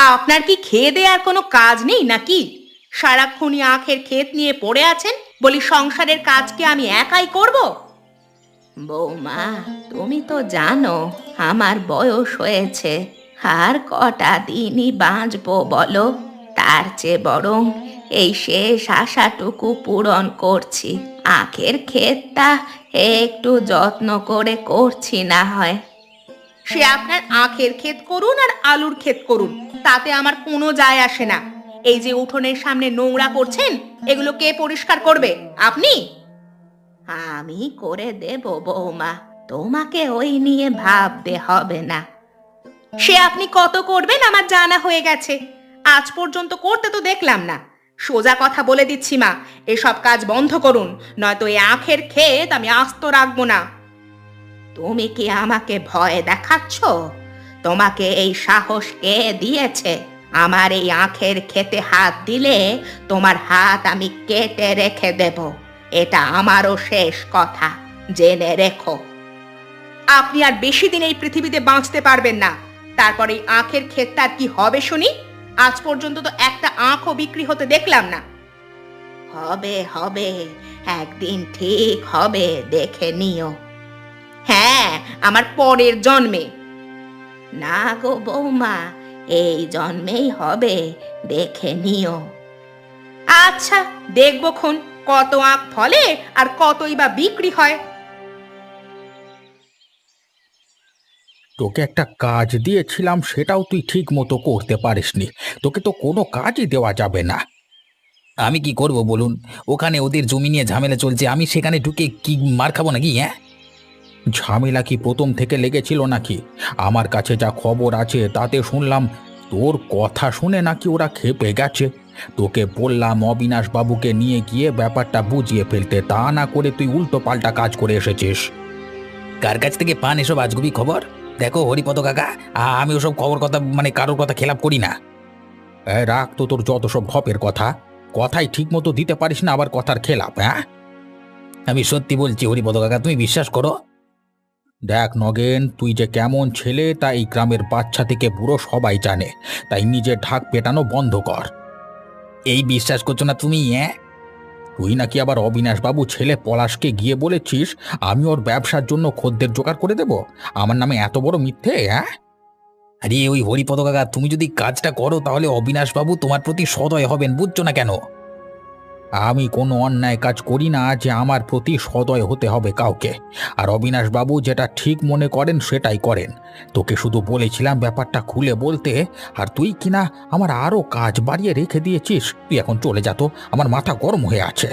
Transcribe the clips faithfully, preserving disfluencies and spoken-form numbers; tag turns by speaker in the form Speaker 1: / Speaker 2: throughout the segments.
Speaker 1: আপনার কি খেয়ে দেয়ে আর কোনো কাজ নেই নাকি? সারাক্ষণই আখের ক্ষেত নিয়ে পড়ে আছেন। বলি সংসারের কাজ কি আমি একাই করব? বৌমা, তুমি তো জানো আমার বয়স হয়েছে, আর কটা দিনই বাঁচবো বলো? তার চেয়ে বরং এই শেষ আশাটুকু পূরণ করছি। আখের ক্ষেতটা একটু যত্ন করে করছি না হয়। সে আপনার আখের ক্ষেত করুন আর আলুর ক্ষেত করুন, তাতে আমার কোনো যায় আসে না। এই যে উঠোনের সামনে নোংরা করছেন, এগুলো কে পরিষ্কার করবে? আপনি? আমি করে দেব বৌমা, তোমাকে ওই নিয়ে ভাবতে হবে না। সে আপনি কত করবেন আমার জানা হয়ে গেছে। আজ পর্যন্ত করতে তো দেখলাম না। সোজা কথা বলে দিচ্ছি মা, এসব কাজ বন্ধ করুন, নয়তো এই আখের ক্ষেত আমি আস্ত রাখবো না। তুমি কি আমাকে ভয় দেখাচ্ছ? তোমাকে এই সাহস কে দিয়েছে? আমার এই আখের খেতে হাত দিলে তোমার হাত আমি কেটে রেখে দেব। এটা আমারও শেষ কথা, জেনে রেখো। আপনি আর বেশি দিন এই পৃথিবীতে বাঁচতে পারবেন না। তারপরে এই আখের ক্ষেতটার কি হবে শুনি? আজ পর্যন্ত তো একটা আখও বিক্রি হতে দেখলাম না। হবে হবে, একদিন ঠিক হবে, দেখে নিও। হ্যাঁ, আমার পরের জন্মে। না গো বৌমা, এই জন্মেই হবে, দেখে নিও। আচ্ছা, দেখবো খন কত আখ ফলে আর কতই বা বিক্রি হয়।
Speaker 2: তোকে একটা কাজ দিয়েছিলাম, সেটাও তুই ঠিক মতো করতে পারিসনি। তোকে তো কোনো কাজই দেওয়া যাবে না। আমি কি করব বলুন? ওখানে ওদের জমি নিয়ে ঝামেলা চলছে, আমি সেখানে ঢুকে কি মার খাবো নাকি? হ্যাঁ, ঝামেলা কি প্রথম থেকে লেগেছিল নাকি? আমার কাছে যা খবর আছে তাতে শুনলাম তোর কথা শুনে নাকি ওরা ক্ষেপে গেছে। তোকে বললাম অবিনাশ বাবুকে নিয়ে গিয়ে ব্যাপারটা বুঝিয়ে ফেলতে, তা না করে তুই উল্টো পাল্টা কাজ করে এসেছিস। কার কাছ থেকে পান এসব আজগুবি খবর? দেখো হরিপদ কাকা, আ- আমি ওসব খবর কথা মানে কারোর কথা খেলাপ করি না। এ, রাখ তো তোর যত সব ঢপের কথা। কথাই ঠিক মতো দিতে পারিস না, আবার কথার খেলাপ। হ্যাঁ, আমি সত্যি বলছি হরিপদ কাকা, তুমি বিশ্বাস করো। দেখ নগেন, তুই যে কেমন ছেলে তা এই গ্রামের বাচ্চা থেকে বুড়ো সবাই জানে। তাই নিজের ঢাক পেটানো বন্ধ কর। এই বিশ্বাস করছো না তুমি? হ্যাঁ, তুই নাকি আবার অবিনাশ বাবু ছেলে পলাশকে গিয়ে বলেছিস আমি ওর ব্যবসার জন্য খদ্দের জোগাড় করে দেব। আমার নামে এত বড় মিথ্যে? হ্যাঁ, আরে ওই হরিপদ কাকা, তুমি যদি কাজটা করো তাহলে অবিনাশ বাবু তোমার প্রতি সদয় হবেন, বুঝছো না কেন? আমি কোনো অন্যায় কাজ করি না যে আমার প্রতি সদয় হতে হবে কাউকে। আর অবিনাশ বাবু যেটা ঠিক মনে করেন সেটাই করেন। তোকে শুধু বলেছিলাম ব্যাপারটা খুলে বলতে, আর তুই কিনা আমার আরো কাজ বাড়িয়ে রেখে দিয়েছিস। তুই এখন চলে যা তো, আমার মাথা গরম হয়ে আছে।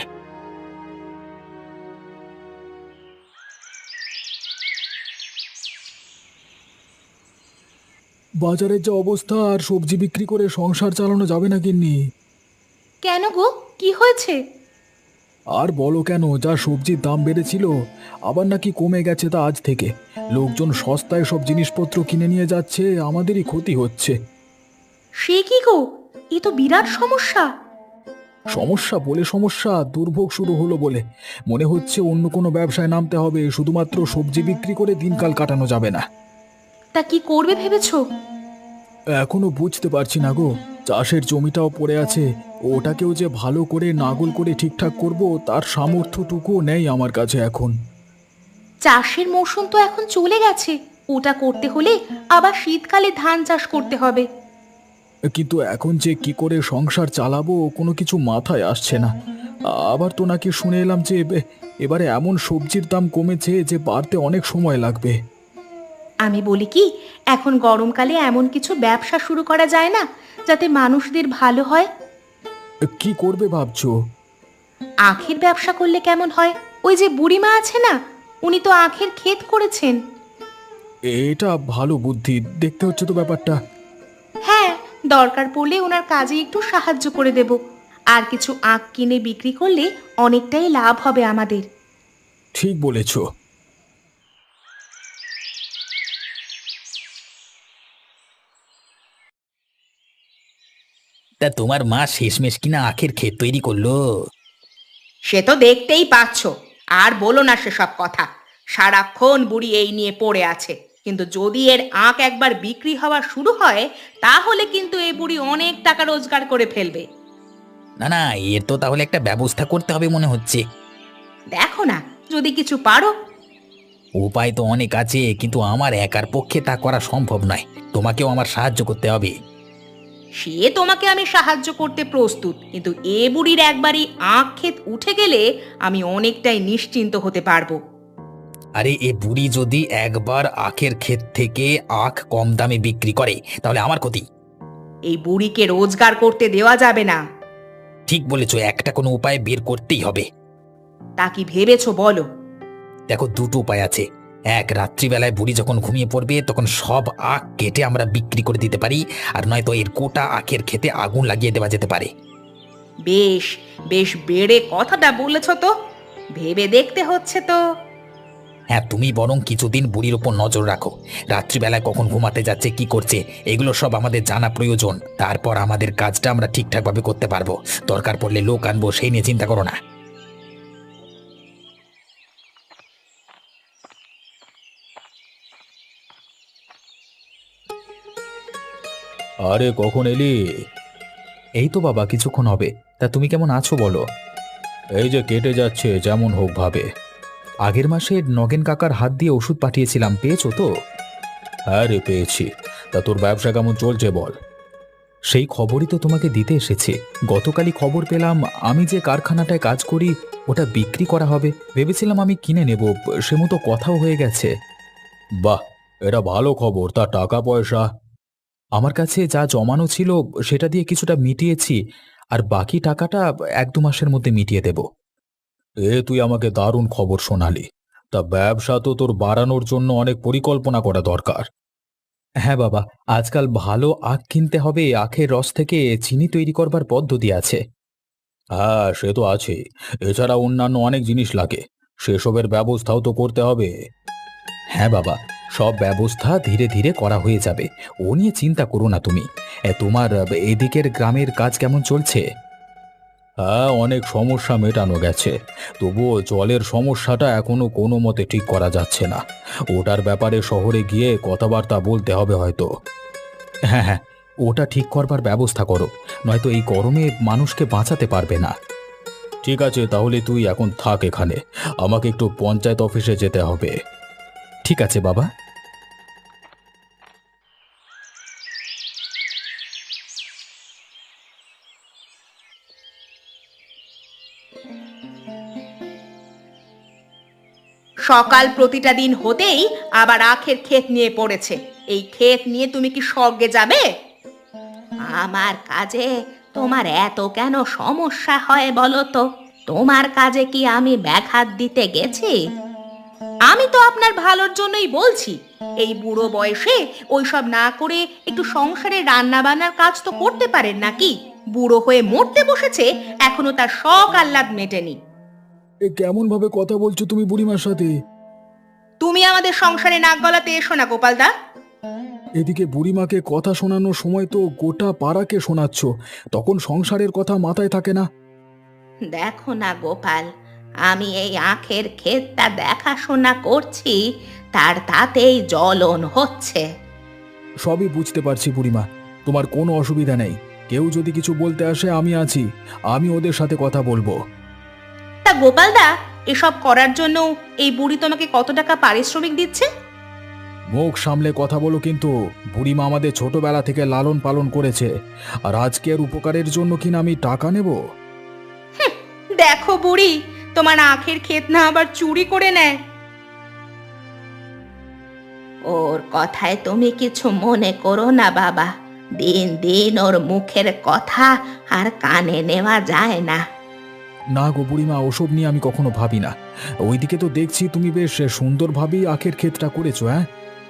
Speaker 3: বাজারের যা অবস্থা, আর সবজি বিক্রি করে সংসার চালানো যাবে না গিন্নি।
Speaker 1: কেন গো, কি হয়েছে?
Speaker 3: আর বলো কেন, যা সবজির দাম বেড়েছিল আবার নাকি কমে গেছে তা আজ থেকে। লোকজন সস্তায় সব জিনিসপত্র কিনে নিয়ে যাচ্ছে, আমাদেরই ক্ষতি হচ্ছে।
Speaker 1: সে কি গো, এ তো বিরাট সমস্যা।
Speaker 3: সমস্যা বলে সমস্যা, দুর্ভোগ শুরু হলো বলে। মনে হচ্ছে অন্য কোনো ব্যবসায় নামতে হবে, শুধুমাত্র সবজি বিক্রি করে দিনকাল কাটানো যাবে না।
Speaker 1: তা কি করবে ভেবেছো?
Speaker 3: এখনো বুঝতে পারছি না গো। চাষের জমিটাও পড়ে আছে, ওটাকেও যে ভালো করে নাঙল করে ঠিকঠাক করব তার সামর্থ্যটুকুও নেই আমার কাছে এখন।
Speaker 1: চাষের মৌসুম তো এখন চলে গেছে, ওটা করতে হলে আবার শীতকালে ধান চাষ করতে হবে।
Speaker 3: কিন্তু এখন যে কি করে সংসার চালাবো কোনো কিছু মাথায় আসছে না। আবার তো নাকি শুনে এলাম যে এ- এবারে এমন সবজির দাম কমেছে যে বাড়তে অনেক সময় লাগবে।
Speaker 1: আমি বলি কি, এখন গরমকালে এমন কিছু ব্যবসা শুরু করা যায় না যাতে মানুষদের ভালো হয়?
Speaker 3: কি করবে ভাবছো?
Speaker 1: আখের ব্যবসা করলে কেমন হয়? ওই যে বুড়িমা আছে না, উনি তো আখের ক্ষেত করেছেন।
Speaker 3: এটা ভালো বুদ্ধি, দেখতে হচ্ছে তো ব্যাপারটা।
Speaker 1: হ্যাঁ, দরকার পড়লে ওনার কাজে একটু সাহায্য করে দেব। আর কিছু আখ কিনে বিক্রি করলে অনেকটাই লাভ হবে আমাদের।
Speaker 3: ঠিক বলেছো।
Speaker 2: তা তোমার মা শেষমেশ কিনা আখের ক্ষেত তৈরি করলো?
Speaker 1: সে তো দেখতেই পাচ্ছ। আর বলো না সেসব কথা। সারাক্ষণ বুড়ি এই নিয়ে পড়ে আছে। কিন্তু যদি এর আখ একবার বিক্রি হওয়া শুরু হয় তাহলে কিন্তু এই বুড়ি অনেক টাকা রোজগার করে ফেলবে।
Speaker 2: না না, এর তো তাহলে একটা ব্যবস্থা করতে হবে মনে হচ্ছে।
Speaker 1: দেখো না যদি কিছু পারো।
Speaker 2: উপায় তো অনেক আছে, কিন্তু আমার একার পক্ষে তা করা সম্ভব নয়। তোমাকেও আমার সাহায্য করতে হবে।
Speaker 1: সে তোমাকে আমি সাহায্য করতে প্রস্তুত, কিন্তু এ বুড়ির একবারই আখ ক্ষেত উঠে গেলে আমি অনেকটাই নিশ্চিন্ত হতে পারবো।
Speaker 2: আরে এ বুড়ি যদি একবার আখের ক্ষেত থেকে আখ কম দামে বিক্রি করে তাহলে আমার ক্ষতি।
Speaker 1: এই বুড়িকে রোজগার করতে দেওয়া যাবে না।
Speaker 2: ঠিক বলেছো, একটা কোনো উপায় বের করতেই হবে।
Speaker 1: তা কি ভেবেছো বলো?
Speaker 2: দেখো, দুটো উপায় আছে। এক, রাত্রিবেলায় বুড়ি যখন ঘুমিয়ে পড়বে তখন সব আখ কেটে আমরা বিক্রি করে দিতে পারি, আর নয়তো এর গোটা আখের খেতে আগুন লাগিয়ে দেওয়া যেতে পারে।
Speaker 1: বেশ বেশ বেড়ে কথাটা বলেছ তো, ভেবে দেখতে হচ্ছে তো।
Speaker 2: হ্যাঁ, তুমি বরং কিছুদিন বুড়ির ওপর নজর রাখো। রাত্রিবেলায় কখন ঘুমাতে যাচ্ছে, কি করছে, এগুলো সব আমাদের জানা প্রয়োজন। তারপর আমাদের কাজটা আমরা ঠিকঠাকভাবে করতে পারবো। দরকার পড়লে লোক আনবো, সেই নিয়ে চিন্তা করো না।
Speaker 3: আরে কখন এলি?
Speaker 2: এই তো বাবা, কিছুক্ষণ হবে। তা তুমি কেমন আছো বলো?
Speaker 3: এই যে কেটে যাচ্ছে, যেমন হোক ভাবে।
Speaker 2: আগের মাসে নগেন কাকার হাত দিয়ে ওষুধ পাঠিয়েছিলাম, পেয়েছো তো?
Speaker 3: হ্যাঁ রে, পেয়েছি। তা তোর ব্যবসা কেমন চলছে বল?
Speaker 2: সেই খবরই তো তোমাকে দিতে এসেছে। গতকালই খবর পেলাম আমি যে কারখানাটায় কাজ করি ওটা বিক্রি করা হবে। ভেবেছিলাম আমি কিনে নেব, সে মতো কথাও হয়ে গেছে।
Speaker 3: বাহ, এটা ভালো খবর। তা টাকা পয়সা?
Speaker 2: আমার কাছে যা জমানো ছিল সেটা দিয়ে কিছুটা মিটিয়েছি, আর বাকি টাকাটা এক দু মাসের মধ্যে মিটিয়ে দেব।
Speaker 3: এ তুই আমাকে দারুণ খবর শোনালি। তা ব্যবসা তো তোর বাড়ানোর জন্য অনেক পরিকল্পনা করা দরকার।
Speaker 2: হ্যাঁ বাবা, আজকাল ভালো আখ কিনতে হবে। আখের রস থেকে চিনি তৈরি করবার পদ্ধতি আছে।
Speaker 3: হ্যাঁ, সে তো আছে। এছাড়া অন্যান্য অনেক জিনিস লাগে, সেসবের ব্যবস্থাও তো করতে হবে।
Speaker 2: হ্যাঁ বাবা, সব ব্যবস্থা ধীরে ধীরে করা হয়ে যাবে। ও নিয়ে চিন্তা করো না তুমি। এ, তোমার এদিকের গ্রামের কাজ কেমন চলছে?
Speaker 3: হ্যাঁ, অনেক সমস্যা মেটানো গেছে। তবুও জলের সমস্যাটা এখনো কোনো মতে ঠিক করা যাচ্ছে না। ওটার ব্যাপারে শহরে গিয়ে কথাবার্তা বলতে হবে হয়তো।
Speaker 2: হ্যাঁ হ্যাঁ, ওটা ঠিক করবার ব্যবস্থা করো, নয়তো এই গরমে মানুষকে বাঁচাতে পারবে না।
Speaker 3: ঠিক আছে, তাহলে তুই এখন থাক এখানে। আমাকে একটু পঞ্চায়েত অফিসে যেতে হবে।
Speaker 2: ঠিক আছে বাবা।
Speaker 1: সকাল প্রতিটা দিন হতেই আবার আখের ক্ষেত নিয়ে পড়েছে। এই ক্ষেত নিয়ে তুমি কি স্বর্গে যাবে? আমার কাজে তোমার এত কেন সমস্যা হয় বলো তো? তোমার কাজে কি আমি ব্যাঘাত দিতে গেছি? আমি তো আপনার ভালোর জন্যই বলছি। এই বুড়ো বয়সে ওইসব না করে একটু সংসারে রান্না বান্নার কাজ তো করতে পারেন নাকি? বুড়ো হয়ে মরতে বসেছে, এখনো তার শখ আহ্লাদ মেটেনি।
Speaker 3: এ কেমন ভাবে কথা বলছো তুমি বুড়িমার সাথে?
Speaker 1: তুমি আমাদের সংসারে নাক গলাতে এসো না গোপালদা।
Speaker 3: এদিকে বুড়িমাকে কথা শোনানোর সময় তো গোটা পাড়াকে শোনাচ্ছ, তখন সংসারের কথা মাথায় থাকে না।
Speaker 1: দেখো না গোপাল, আমি এই আখের ক্ষেতটা দেখাশোনা করছি, তার তাতেই জ্বলন হচ্ছে।
Speaker 3: সবই বুঝতে পারছি বুড়িমা, তোমার কোনো অসুবিধা নেই। কেউ যদি কিছু বলতে আসে আমি আছি, আমি ওদের সাথে কথা বলবো।
Speaker 1: তা গোপালদা, এসব করার জন্য এই বুড়ি তোমাকে কত টাকা পারিশ্রমিক দিচ্ছে?
Speaker 3: মুখ সামলে কথা বলো কিন্তু। বুড়িমা আমাদের ছোটবেলা থেকে লালন পালন করেছে, আর আজকের উপকারের জন্য কিনা আমি টাকা নেব?
Speaker 1: দেখো বুড়ি, তোমার আখের ক্ষেত না আবার চুরি করে নেয়। ওর কথায় তুমি কিছু মনে করো না বাবা। দিন দিন ওর মুখের কথা আর কানে নেওয়া যায় না।
Speaker 3: না গো বুড়িমা, ওসব নিয়ে আমি কখনো ভাবি না। ওইদিকে তো দেখছি তুমি বেশ সুন্দরভাবেই আখের ক্ষেতটা করেছো। হ্যাঁ,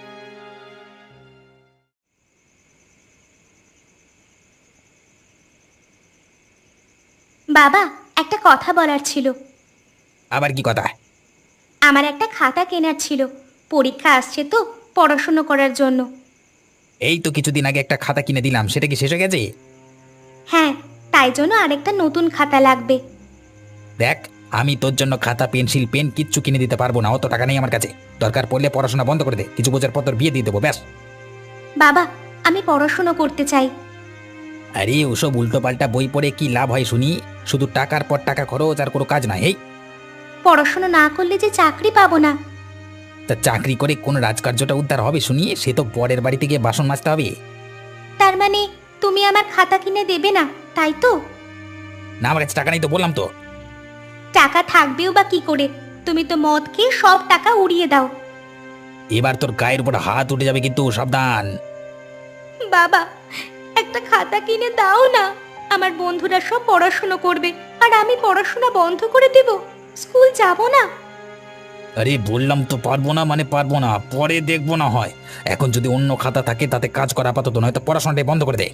Speaker 4: বাবা, একটা কথা বলার ছিল।
Speaker 2: আবার কি কথা?
Speaker 4: আমার একটা খাতা কেনার ছিল। পরীক্ষা আসছে তো, পড়াশুনো করার জন্য।
Speaker 2: এই তো কিছুদিন আগে একটা খাতা কিনে দিলাম, সেটা কি শেষ হয়ে গেছে?
Speaker 4: হ্যাঁ, তাই জন্য আরেকটা নতুন খাতা লাগবে।
Speaker 2: দেখ, আমি তোর জন্য খাতা পেন্সিল পেন কিচ্ছু কিনে দিতে পারবো না, অত টাকা নেই আমার কাছে। দরকার পড়লে পড়াশোনা বন্ধ করে দে, কিছু বোঝার পর তোর বিয়ে দিয়ে দেবো ব্যাস।
Speaker 4: বাবা, আমি পড়াশুনো করতে চাই।
Speaker 2: আরে ওসব উল্টো পাল্টা বই পড়ে কি লাভ হয় শুনি? শুধু টাকার পর টাকা খরচ আর কোনো কাজ নাই। এই
Speaker 4: পড়াশুনো না করলে যে চাকরি পাবো না।
Speaker 2: তা চাকরি করে কোন রাজকার্যটা উদ্ধার হবে শুনি? সে তো বরের বাড়িতে গিয়ে বাসন মাজতে হবে।
Speaker 4: তার মানে তুমি আমার খাতা কিনে দেবে না, তাই তো?
Speaker 2: না, আমার কাছে টাকা নেই তো বললাম তো।
Speaker 4: টাকা থাকবেও বা কি করে? তুমি তো মদ খেয়ে সব টাকা উড়িয়ে দাও।
Speaker 2: এবার তোর গায়ের উপর হাত উঠে যাবে কিন্তু, সাবধান।
Speaker 4: বাবা, একটা খাতা কিনে দাও না। আমার বন্ধুরা সব পড়াশুনো করবে আর আমি পড়াশোনা বন্ধ করে দেব, স্কুল যাব না।
Speaker 2: আরে বললাম তো পারবো না মানে পারবো না, পরে দেখবো না হয়। এখন যদি অন্য খাতা থাকে তাতে কাজ করা আপাতত, নয়তো পড়াশোনাটাই বন্ধ করে দে।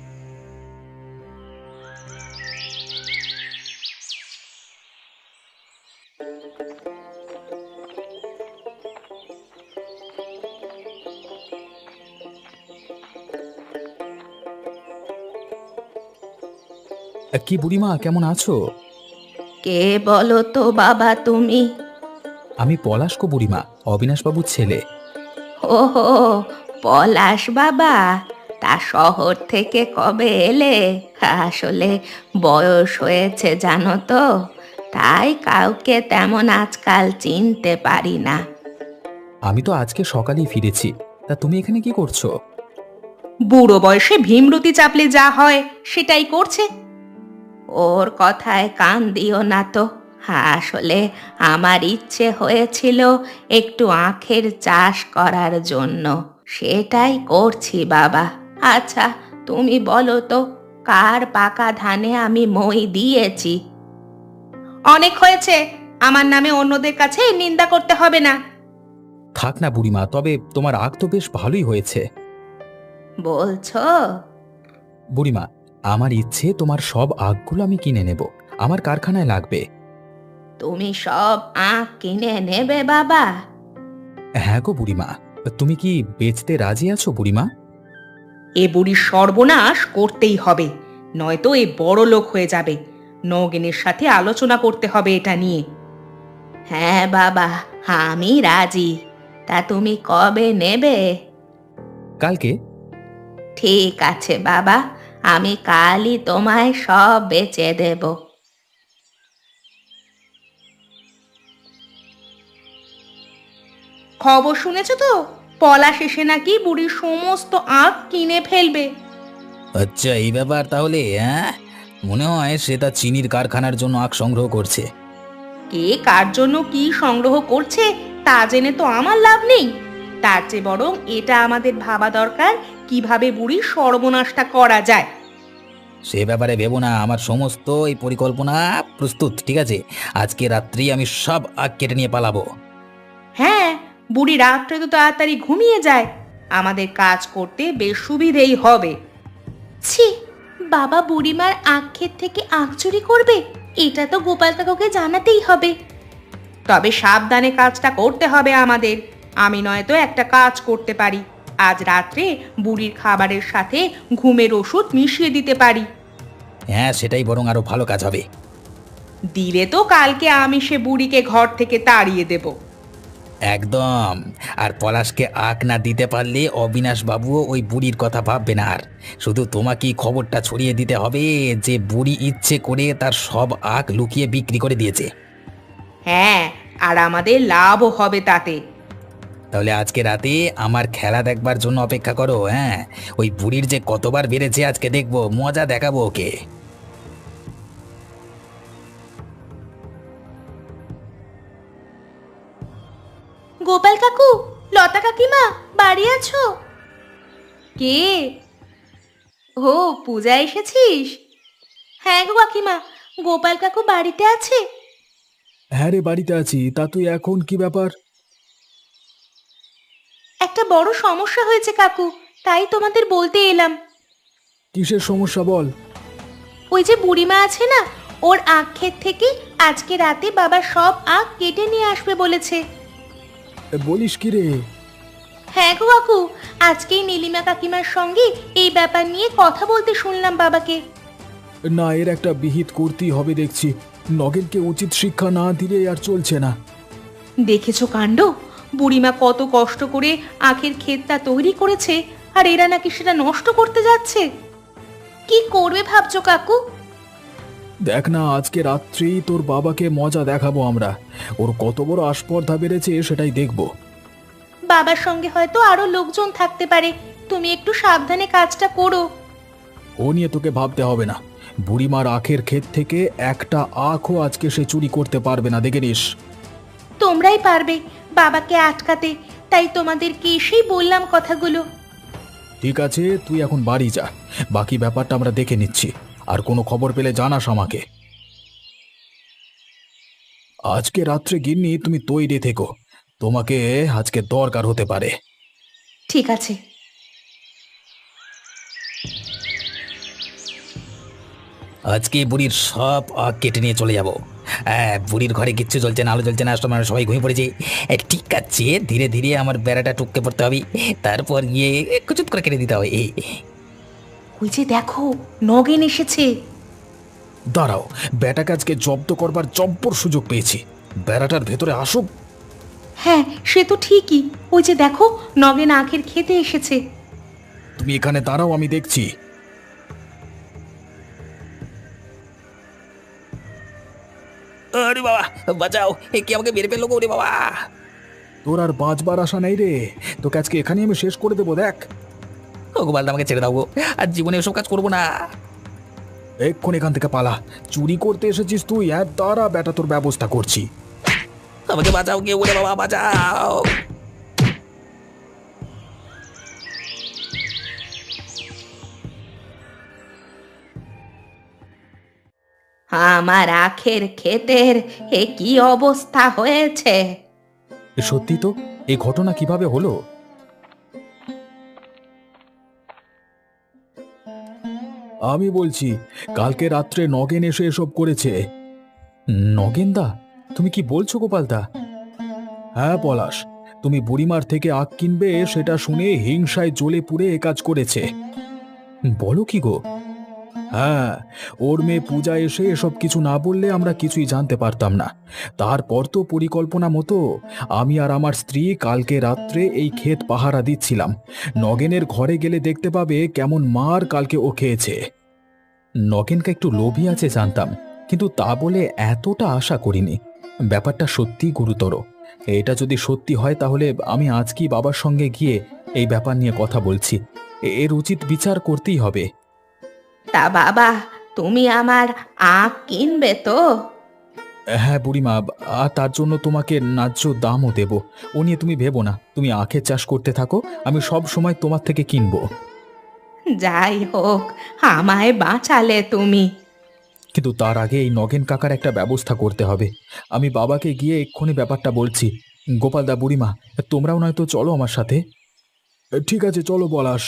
Speaker 3: কি বুড়িমা, কেমন আছো?
Speaker 1: কে বলো তো বাবা তুমি?
Speaker 3: আমি পলাশকো বুড়িমা, অবিনাশবাবুর ছেলে।
Speaker 1: ওহো, পলাশ বাবা, তা শহর থেকে কবে এলে? আসলে বয়স হয়েছে জানো তো, তাই কাউকে তেমন আজকাল চিনতে পারি না।
Speaker 3: আমি তো আজকে সকালেই ফিরেছি। তা তুমি এখানে কি করছো?
Speaker 1: বুড়ো বয়সে ভীমরতি চাপলে যা হয় সেটাই করছে। ওর কথায় কান দিও না তো। আসলে আমার ইচ্ছে হয়েছিল একটু আখের চাষ করার জন্য, সেটাই করছি বাবা। আচ্ছা তুমি বলো তো, কার পাকা ধানে আমি মই দিয়েছি? অনেক হয়েছে, আমার নামে অন্যদের কাছে নিন্দা করতে হবে না।
Speaker 3: থাক না বুড়িমা, তবে তোমার আখ তো বেশ ভালোই হয়েছে।
Speaker 1: বলছো?
Speaker 3: বুড়িমা, আমার ইচ্ছে তোমার সব আখগুলো আমি কিনে নেব, আমার কারখানায় লাগবে।
Speaker 1: তুমি সব আখ কিনে নেবে বাবা?
Speaker 3: হ্যাঁ গো বুড়িমা, তুমি কি বেচতে রাজি আছো বুড়িমা?
Speaker 1: এ বুড়ির সর্বনাশ করতেই হবে, নয়তো এ বড় লোক হয়ে যাবে। নগেনের সাথে আলোচনা করতে হবে এটা নিয়ে। হ্যাঁ বাবা, আমি রাজি। তা তুমি কবে নেবে?
Speaker 3: কালকে।
Speaker 1: ঠিক আছে বাবা, আমি কালই তোমায় সব বেচে দেব। খবর শুনেছ তো, পলাশ এসে নাকি বুড়ির সমস্ত আখ কিনে ফেলবে।
Speaker 2: আচ্ছা এই ব্যাপার তাহলে, হ্যাঁ? মনে হয় সে তার চিনির কারখানার জন্য আখ সংগ্রহ করছে।
Speaker 1: কে কার জন্য কি সংগ্রহ করছে তা জেনে তো আমার লাভ নেই। তার চেয়ে বরং এটা আমাদের ভাবা দরকার, কিভাবে বুড়ির সর্বনাশটা করা যায়।
Speaker 2: সে ব্যাপারে ভেবো না, আমার সমস্ত এই পরিকল্পনা প্রস্তুত, ঠিক আছে? আজকে রাত্রি আমি সব আখ কেটে নিয়ে পালাবো।
Speaker 1: হ্যাঁ, বুড়ি রাত্রে তো তাড়াতাড়ি ঘুমিয়ে যায়, আমাদের কাজ করতে বেশ সুবিধেই হবে।
Speaker 4: ছি, বাবা বুড়িমার আখ ক্ষেত থেকে আখ চুরি করবে? এটা তো গোপাল কাকুকে জানাতেই হবে।
Speaker 1: তবে সাবধানে কাজটা করতে হবে আমাদের। আমি নয়তো একটা কাজ করতে পারি, আজ রাত্রে বুড়ির খাবারের সাথে ঘুমের ওষুধ মিশিয়ে দিতে পারি।
Speaker 2: হ্যাঁ, সেটাই বরং আরো ভালো কাজ হবে।
Speaker 1: দিলে তো কালকে আমি সে বুড়িকে ঘর থেকে তাড়িয়ে দেব।
Speaker 2: একদম। আর পলাশকে আখ না দিতে পারলে অবিনাশ বাবুও ওই বুড়ির কথা ভাববে না। আর শুধু তোমাকেই খবরটা ছড়িয়ে দিতে হবে যে বুড়ি ইচ্ছে করে তার সব আখ লুকিয়ে বিক্রি করে দিয়েছে।
Speaker 1: হ্যাঁ, আর আমাদের লাভও হবে তাতে।
Speaker 2: তাহলে আজকে রাতে আমার খেলা দেখবার জন্য অপেক্ষা করো। হ্যাঁ, ওই বুড়ির যে কতবার বেড়েছে আজকে দেখবো, মজা দেখাবো ওকে।
Speaker 4: গোপাল কাকু, লতা কাকিমা, বাড়ি আছো?
Speaker 1: কে? ও, পূজা এসেছিস?
Speaker 4: হ্যাঁ গো কাকিমা, গোপাল কাকু বাড়িতে আছে?
Speaker 3: হ্যাঁ রে, বাড়িতে আছি। তা তুই এখন কি ব্যাপার?
Speaker 4: একটা বড় সমস্যা হয়েছে কাকু, তাই তোমাদের বলতে এলাম।
Speaker 3: কিসের সমস্যা বল?
Speaker 4: ওই যে বুড়িমা আছে না, ওর আখ ক্ষেত থেকে আজকে রাতে বাবা সব আখ কেটে নিয়ে আসবে বলেছে।
Speaker 3: এ, বলিস কি রে?
Speaker 4: হ্যাঁ গো কাকু, আজকেই নীলিমা কাকিমার সঙ্গে এই ব্যাপার নিয়ে কথা বলতে শুনলাম বাবাকে।
Speaker 3: না, এর একটা বিহিত করতেই হবে দেখছি। নগেনকে উচিত শিক্ষা না দিলে আর চলছে না।
Speaker 1: দেখেছো কাণ্ড, বুড়িমা কত কষ্ট করে আখের ক্ষেতটা তৈরি করেছে, আর এরা নাকি সেটা নষ্ট করতে যাচ্ছে। কি করবে ভাবছো কাকু?
Speaker 3: দেখ না, আজকে রাত্রেই তোর বাবাকে মজা দেখাবো আমরা। ওর কত বড় আস্পর্ধা বেড়েছে সেটাই দেখব।
Speaker 1: বাবার সঙ্গে হয়তো আরো লোকজন থাকতে পারে, তুমি একটু সাবধানে কাজটা করো।
Speaker 3: ও নিয়ে তোকে ভাবতে হবে না। বুড়িমার আখের ক্ষেত থেকে একটা আখও আজকে সে চুরি করতে পারবে না, দেখে নিস।
Speaker 1: তোমরাই পারবে বাবাকে আটকাতে, তাই তোমাদেরকে এসেই বললাম কথাগুলো।
Speaker 3: ঠিক আছে, তুই এখন বাড়ি যা, বাকি ব্যাপারটা আমরা দেখে নিচ্ছি। আর কোনো খবর পেলে জানাস আমাকে। আজকে রাত্রে গিন্নি তুমি তৈরি থেকো, তোমাকে আজকে দরকার হতে পারে।
Speaker 1: ঠিক আছে।
Speaker 2: আজকে বুড়ির সব আগ কেটে নিয়ে চলে যাব। হ্যাঁ, বুড়ির ঘরে কিচ্ছু চলছে না, আলো জ্বলছে না, তোমার সবাই ঘুমিয়ে পড়েছে। এ, ঠিক আছে, ধীরে ধীরে আমার বেড়াটা টুকতে পড়তে হবে, তারপর গিয়ে কুচুত করে কেটে দিতে হবে।
Speaker 1: ওই যে দেখো, নগেন এসেছে।
Speaker 3: দাঁড়াও, বেটাকে আজকে জব্দ করবার জব্বর সুযোগ পেয়েছি। বেড়াটার ভেতরে আসুক।
Speaker 1: হ্যাঁ, সে তো ঠিকই। ওই যে দেখো, নগেন আখের খেতে এসেছে।
Speaker 3: তুমি এখানে দাঁড়াও, আমি দেখছি।
Speaker 2: আরে বাবা, বাঁচাও, এ কি আমাকে মেরে ফেললো গো, রে বাবা।
Speaker 3: তোর আর বাঁচবার আশা নেই রে, তোকে আজকে এখানেই আমি শেষ করে দেবো। দেখ,
Speaker 2: ও গোপালদা, আমাকে ছেড়ে দাও গো, আর জীবনে এসব কাজ করবো না।
Speaker 3: এক্ষুনি এখান থেকে পালা। চুরি করতে এসেছিস তুই? হ্যাঁ দাঁড়া বেটা, তোর ব্যবস্থা করছি।
Speaker 2: আমাকে বাঁচাও, কে ওরে বাবা, বাঁচাও।
Speaker 1: আমার আখের ক্ষেতের এ কি অবস্থা হয়েছে?
Speaker 3: এ সত্যি তো, এই ঘটনা কিভাবে হলো? আমি বলছি, কালকে রাত্রে নগেন এসে এসব করেছে। নগেনদা, তুমি কি বলছো গোপালদা? হ্যাঁ পলাশ, তুমি বুড়িমার থেকে আখ কিনবে সেটা শুনে হিংসায় জ্বলে পুড়ে এ কাজ করেছে। বলো কি গো? হ্যাঁ, ওর মেয়ে পূজা এসে এসব কিছু না বললে আমরা কিছুই জানতে পারতাম না। তারপর তো পরিকল্পনা মতো আমি আর আমার স্ত্রী কালকে রাত্রে এই ক্ষেত পাহারা দিচ্ছিলাম। নগেনের ঘরে গেলে দেখতে পাবে কেমন মার কালকে ও খেয়েছে। নগেনকে একটু লোভী আছে জানতাম, কিন্তু তা বলে এতটা আশা করিনি। ব্যাপারটা সত্যিই গুরুতর। এটা যদি সত্যি হয় তাহলে আমি আজকেই বাবার সঙ্গে গিয়ে এই ব্যাপার নিয়ে কথা বলছি। এর উচিত বিচার করতেই হবে।
Speaker 1: তা বাবা, তুমি আমার আখ কিনবে তো?
Speaker 3: হ্যাঁ বুড়িমা, আর তার জন্য তোমাকে ন্যায্য দামও দেব। ও নিয়ে তুমি ভেবো না, তুমি আখের চাষ করতে থাকো, আমি সব সময় তোমার থেকে কিনবো।
Speaker 1: যাই হোক, আমায় বাঁচালে তুমি।
Speaker 3: কিন্তু তার আগে এই নগেন কাকার একটা ব্যবস্থা করতে হবে। আমি বাবাকে গিয়ে এক্ষুনি ব্যাপারটা বলছি। গোপালদা, বুড়িমা, তোমরাও নয়তো চলো আমার সাথে। ঠিক আছে, চলো পলাশ।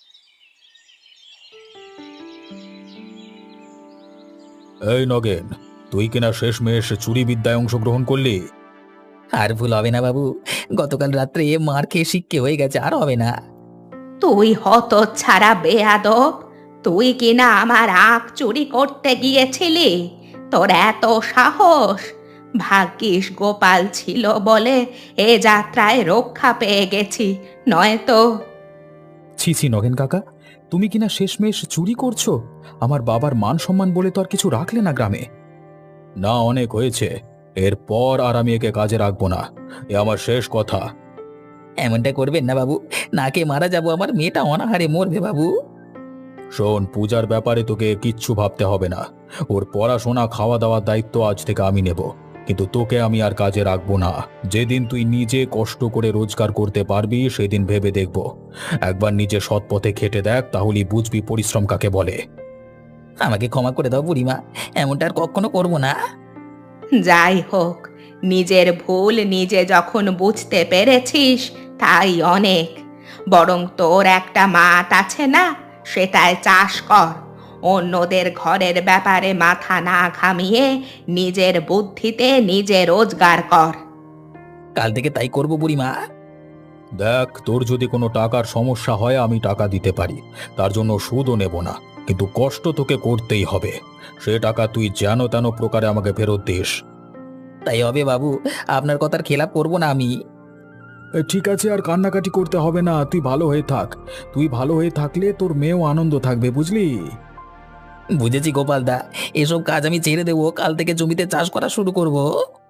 Speaker 3: এই নগেন, তুই কিনা শেষমেশ চুরি বিদ্যায় অংশগ্রহণ করলি?
Speaker 2: আর ভুল হবে না বাবু, গতকাল রাত্রে মার খেয়ে শিক্ষে হয়ে গেছে, আর হবে না।
Speaker 1: তুই হত ছাড়া বেয়াদব, তুই কিনা আমার আখ চুরি করতে গিয়েছিলি? তোর এত সাহস! ভাগ্যিস গোপাল ছিল বলে এ যাত্রায় রক্ষা পেয়ে গেছি, নয়তো।
Speaker 3: ছি ছি নগেন কাকা, তুমি কিনা শেষমেশ চুরি করছো? আমার বাবার মান সম্মান বলে তো আর কিছু রাখলে না গ্রামে। না, অনেক হয়েছে, এরপর আর আমি একে কাজে রাখবো না, এ আমার শেষ কথা।
Speaker 2: এমনটা করবেন না বাবু, নাকে মারা যাবো, আমার মেয়েটা অনাহারে মরবে বাবু।
Speaker 3: শোন, পূজার ব্যাপারে তোকে কিচ্ছু ভাবতে হবে না। ওর পড়াশোনা খাওয়া দাওয়ার দায়িত্ব আজ থেকে আমি নেব, কিন্তু তোকে আমি আর কাজে রাখবো না। যেদিন তুই নিজে কষ্ট করে রোজগার করতে পারবি সেদিন ভেবে দেখব। একবার নিজে সৎ পথে খেটে দেখ, তাহলেই বুঝবি পরিশ্রম কাকে বলে।
Speaker 2: আমাকে ক্ষমা করে দাও বুড়িমা, এমনটা আর কখনো করবো না।
Speaker 1: যাই হোক, নিজের ভুল নিজে যখন বুঝতে পেরেছিস তাই অনেক। বরং তোর একটা মাঠ আছে না, সেটায় চাষ কর। অন্যদের ঘরের ব্যাপারে মাথা না ঘামিয়ে নিজের বুদ্ধিতে নিজে রোজগার কর।
Speaker 2: কাল থেকে তাই করবো বুড়িমা।
Speaker 3: দেখ, তোর যদি কোনো টাকার সমস্যা হয় আমি টাকা দিতে পারি, তার জন্য সুদও নেব না। কিন্তু কষ্ট তোকে করতেই হবে। সে টাকা তুই যেন তেন প্রকারে আমাকে ফেরত দিস।
Speaker 2: তাই হবে বাবু, আপনার কথার খেলাপ করব না আমি।
Speaker 3: এ, ঠিক আছে, আর কান্নাকাটি করতে হবে না, তুই ভালো হয়ে থাক। তুই ভালো হয়ে থাকলে তোর মেয়েও আনন্দ থাকবে, বুঝলি?
Speaker 2: বুঝেছি গোপালদা, এসব কাজ আমি ছেড়ে দেবো, কাল থেকে জমিতে চাষ করা শুরু করব।